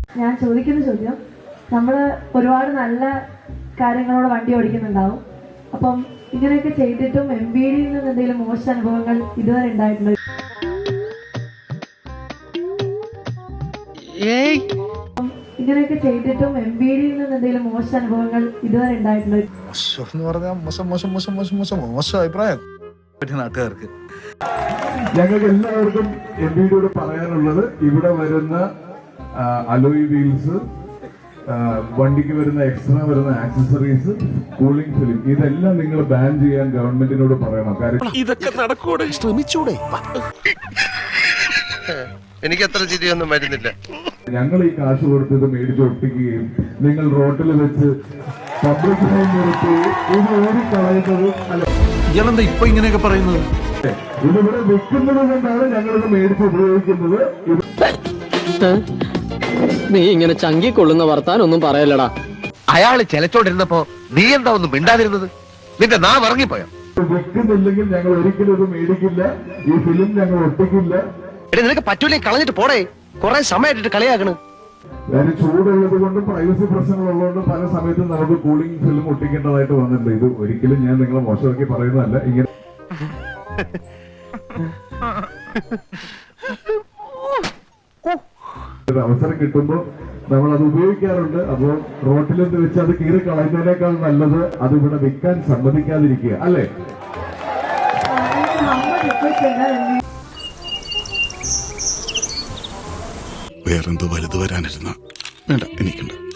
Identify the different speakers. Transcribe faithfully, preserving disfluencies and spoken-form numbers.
Speaker 1: ഞാൻ ചോദിക്കുന്ന ചോദ്യം, നമ്മൾ ഒരുപാട് നല്ല കാര്യങ്ങളോട് വണ്ടി ഓടിക്കുന്നുണ്ടാവും. അപ്പം ഇങ്ങനെയൊക്കെ ചെയ്തിട്ടും എം ബി ഡിയിൽ നിന്ന് എന്തെങ്കിലും മോശം അനുഭവങ്ങൾ ഇതുവരെ ഉണ്ടായിട്ടുണ്ടോ? ഇങ്ങനെയൊക്കെ ചെയ്തിട്ടും എം ബി ഡിയിൽ നിന്ന് എന്തെങ്കിലും മോശം അനുഭവങ്ങൾ ഇതുവരെ ഉണ്ടായിട്ടുണ്ടോ?
Speaker 2: മോശം മോശം മോശം മോശം മോശം മോശം അഭിപ്രായം നാട്ടുകാർക്ക്.
Speaker 3: ഞങ്ങൾക്ക് എല്ലാവർക്കും എം ബി ഡിയോട് പറയാനുള്ളത്, ഇവിടെ വരുന്ന അലോയ് വീൽസ്, വണ്ടിക്ക് വരുന്ന എക്സ്ട്രാ വരുന്ന ആക്സസറീസ്, കൂളിംഗ് ഫിലിം, ഇതെല്ലാം നിങ്ങൾ ബാൻ ചെയ്യാൻ ഗവൺമെന്റിനോട് പറയണം. കാര്യം
Speaker 4: ഇതൊക്കെ നടക്കൂടെ? ശ്രമിച്ചൂടെ?
Speaker 5: എനിക്ക് അത്ര ചിരിയൊന്നും വരുന്നില്ല.
Speaker 3: ഞങ്ങൾ ഈ കാശ് കൊടുത്തത് മേടിച്ചൊട്ടിക്കുകയും നിങ്ങൾ റോട്ടിൽ വെച്ച് പബ്ലിക്കിനെ നിർത്തി ഇത് ഓടിക്കളയുന്നത് അല്ല.
Speaker 4: ഇയാളെന്താ ഇപ്പൊ ഇങ്ങനെയൊക്കെ പറയുന്നത്?
Speaker 3: ഇതിവിടെ വെക്കുന്നത് കൊണ്ടാണ് ഞങ്ങളിത് മേടിച്ച് ഉപയോഗിക്കുന്നത്.
Speaker 6: നീ ഇങ്ങനെ ചങ്കിക്കൊള്ളുന്ന വർത്താനൊന്നും പറയല്ലടാ.
Speaker 5: അയാള് ചെലച്ചോണ്ടിരുന്നപ്പോ നീ എന്താ ഒന്നും മിണ്ടാതിരുന്നത്? നിന്റെ നാ ഇറങ്ങിപ്പോയോ?
Speaker 3: വെക്കുന്നില്ലെങ്കിൽ ഞങ്ങൾ ഒരിക്കലും ഇത് മേടിക്കില്ല. ഈ ഫിലിം ഞങ്ങൾ ഒട്ടിക്കില്ല.
Speaker 5: എടി നിനക്ക് പറ്റൂലേ, കളഞ്ഞിട്ട് പോടേ. കുറെ സമയമായിട്ട് കളിയാക്കണ്.
Speaker 3: അതായത് ചൂടുള്ളത് കൊണ്ടും പ്രൈവസി പ്രശ്നങ്ങളുള്ളതുകൊണ്ടും പല സമയത്തും നമുക്ക് കൂളിംഗ് ഫിലിം ഒട്ടിക്കേണ്ടതായിട്ട് വന്നിട്ടുണ്ട്. ഇത് ഒരിക്കലും ഞാൻ നിങ്ങളെ മോശമാക്കി പറയുന്നതല്ല. ഇങ്ങനെ ഒരു അവസരം കിട്ടുമ്പോൾ നമ്മൾ അത് ഉപയോഗിക്കാറുണ്ട്. അപ്പോൾ റോട്ടിലെന്ന് വെച്ച് അത് കീറി കളയുന്നതിനേക്കാൾ നല്ലത് അത് ഇവിടെ വിൽക്കാൻ സമ്മതിക്കാതിരിക്കുക, അല്ലേ?
Speaker 2: വേറെന്തോ വലുത് വരാനിരുന്ന വേണ്ട എനിക്കുണ്ട്.